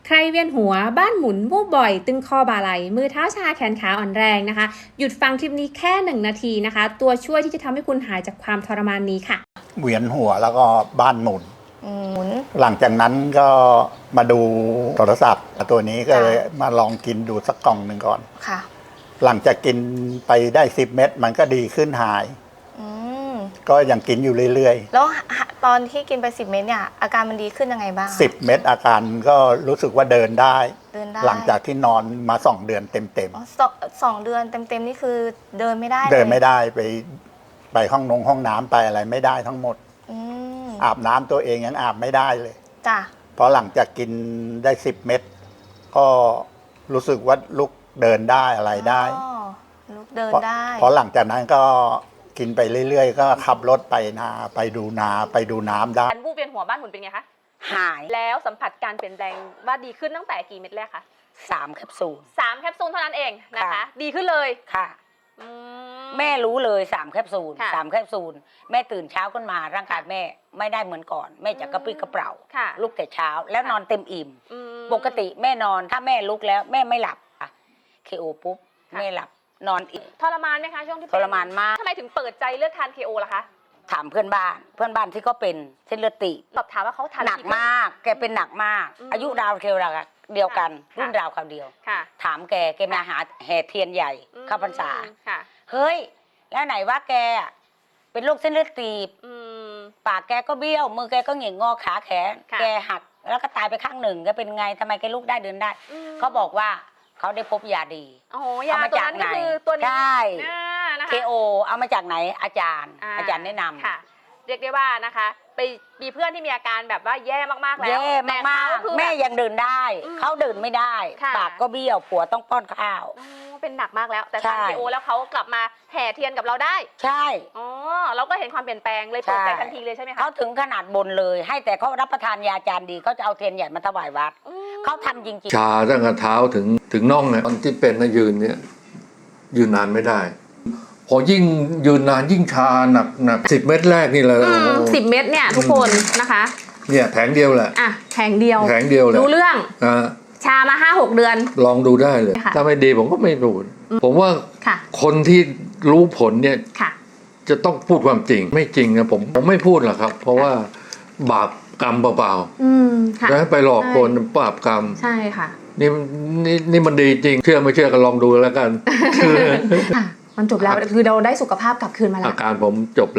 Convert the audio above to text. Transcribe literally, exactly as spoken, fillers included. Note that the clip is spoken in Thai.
ใครเวียนหัวบ้านหมุนวูบบ่อยตึงคอบ่าไหลมือเท้าชาแขนขาอ่อนแรงนะคะหยุดฟังคลิปนี้แค่หนึ่งนาทีนะคะตัวช่วยที่จะทำให้คุณหายจากความทรมานนี้ค่ะเวียนหัวแล้วก็บ้านหมุนหมุนหลังจากนั้นก็มาดูโทรศัพท์ตัวนี้ก็เลยมาลองกินดูสักกล่องหนึ่งก่อนค่ะหลังจากกินไปได้สิบเม็ดมันก็ดีขึ้นหายก็ยังกินอยู่เรื่อยๆแล้วตอนที่กินไปสิบเม็ดเนี่ยอาการมันดีขึ้นยังไงบ้างสิบเม็ดอาการก็รู้สึกว่าเดินได้เดินได้หลังจากที่นอนมาสองเดือนเต็มๆสองเดือนเต็มๆนี่คือเดินไม่ได้เดินไม่ได้ไปไปห้องนงห้องน้ำไปอะไรไม่ได้ทั้งหมดอาบน้ำตัวเองยังอาบไม่ได้เลยจ้ะเพราะหลังจากกินได้สิบเม็ดก็รู้สึกว่าลุกเดินได้อะไรได้ลุกเดินได้เพราะหลังจากนั้นก็กินไปเรื่อยๆก็ขับรถไปนาไปดูนาไปดูน้ำได้การวูบเวียนหัวบ้านหมุนเป็นไงคะหายแล้วสัมผัสการเปลี่ยนแปลงว่าดีขึ้นตั้งแต่กี่เม็ดแรกคะสามแคปซูลสามแคปซูลเท่านั้นเองนะคะดีขึ้นเลยค่ะแม่รู้เลยสามแคปซูลสามแคปซูลแม่ตื่นเช้าขึ้นมาร่างกายแม่ไม่ได้เหมือนก่อนแม่จะกระปรี้กระเปร่าลุกแต่เช้าแล้วนอนเต็มอิ่มปกติแม่นอนถ้าแม่ลุกแล้วแม่ไม่หลับเคโอปุ๊บแม่หลับนอนอีกทรมานไหมคะช่วงที่ทรมานมากทำไมถึงเปิดใจเลือกทาน เค โอ ล่ะคะถามเพื่อนบ้านเพื่อนบ้านที่ก็เป็นเส้นเลือดตีบสอบถามว่าเขาทานหนักมากแกเป็นหนักมากอายุราวเคียวเดียวกันรุ่นราวคราวเดียวถามแกแกมาหาแห่เทียนใหญ่เข้าพรรษาเฮ้ยแล้วไหนว่าแกเป็นโรคเส้นเลือดตีบปากแกก็เบี้ยวมือแกก็เหง่งงอขาแขนแกหักแล้วก็ตายไปข้างหนึ่งแกเป็นไงทำไมแกลุกได้เดินได้เขาบอกว่าเขาได้พบยาดีเอามาจากไหนใช่เคโอเอามาจากไหนอาจารย์อาจารย์แนะนำค่ะเรียกได้ว่านะคะไปมีเพื่อนที่มีอาการแบบว่าแย่มากๆแล้วแย่มากๆแม่ยังเดินได้เขาเดินไม่ได้ปากก็เบี้ยวผัวต้องป้อนข้าวเป็นหนักมากแล้วแต่ทาน เค โอ แล้วเขากลับมาแห่เทียนกับเราได้ใช่อ๋อเราก็เห็นความเปลี่ยนแปลงเลยเปิดใจทันทีเลยใช่ไหมคะเขาถึงขนาดบนเลยให้แต่เขารับประทานยาจานดีเขาจะเอาเทียนใหญ่มาถวายวัดเขาทำจริงๆชาตั้งแต่เท้าถึงถึงน่องเนี่ยตอนที่เป็นนะยืนเนี่ยยืนนานไม่ได้พอยิ่งยืนนานยิ่งชาหนักหนักสิบเม็ดแรกนี่แหละสิบเม็ดเนี่ยทุกคนนะคะเนี่ยแผงเดียวแหละอ่ะแผงเดียวแผงเดียวเลยรู้เรื่องอ่าชามาห้าหกเดือนลองดูได้เลยถ้าไม่ดีผมก็ไม่รู้ผมว่าคนที่รู้ผลเนี่ยจะต้องพูดความจริงไม่จริงนะผมผมไม่พูดหรอกครับเพราะว่าบาปกรรมเปล่าๆแล้วไปหลอกคนบาปกรรมใช่ค่ะนี่นี่นี่มันดีจริงเชื่อไม่เชื่อก็ลองดูแล้วกันมันจบแล้วคือเราได้สุขภาพกลับคืนมาแล้วอาการผมจบ